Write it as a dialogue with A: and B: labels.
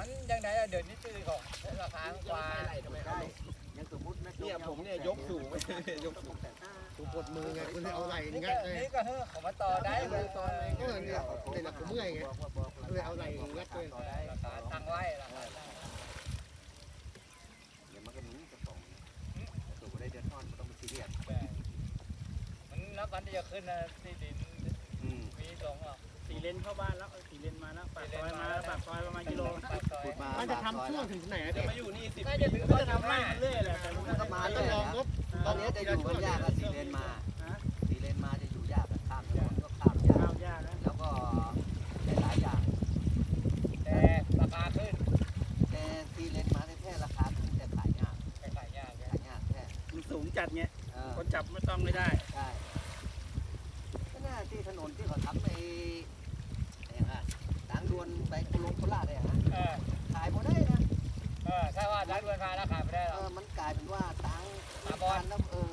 A: มันยังไงเดี๋ยวนี้ซื้อของราคากว่ายังสมมติเนี่ยผมเนี่ยยกสูงไปยกสูง
B: กูปวดมือไงคุณเอาไหล่งัดเลย
A: นี่ก็เฮ้อของมาต่อได้เลยตอนนี้
B: ก็เนี่ยเลยหลับกูเมื่อยไงเลยเอาไหล่งัดเลย
A: ราคาตั้งไว้ราคา
C: เดี๋ยวมันก็หนีกระสองตัวได้เดือดร้อนก็ต้องมาซีเรียส
A: มันนับวันที่จะขึ้นนะที่ดินมีสองอ่ะ
D: 4 เลนเข้าบ้านแล้ว4 เลนมาแล้วปากซอยมาแล้วปากซอยประมาณกิโล
B: มันจะทำช่วงถึงไหน
D: จะมาอยู่นี่10
A: น่าจะถึง
D: ก็จะทำไร่มันเรื่อยแหละแต่
C: มันก็มาเรื่อยนะตอนนี้จะอยู่มันยากอะ4 เลนมา4 เลนมาจะอยู่ยากข้ามถนนก็ข้ามยาก
D: ข้าวยากนะ
C: แล้วก็หลายอย่าง
A: แต่ราคาขึ้น
C: แต่4 เลนมาแท้ราคาขึ้นแต่ขายยาก
A: ขายยาก
C: ขายยากแท้
D: มันสูงจัดเงี้ยคนจับไม่ต้องไม่ได้
C: ใช่ก็น่าที่ถนนที่เขาทำไปเนี่ยฮะทางด่วนไปกุลงโคราชเลยฮะขายหมดได้นะ
A: ถ้าว่าร้านเวลาราคาไม่ได้หรอก
C: มันกลายเป็นว่าตังค์แล้ว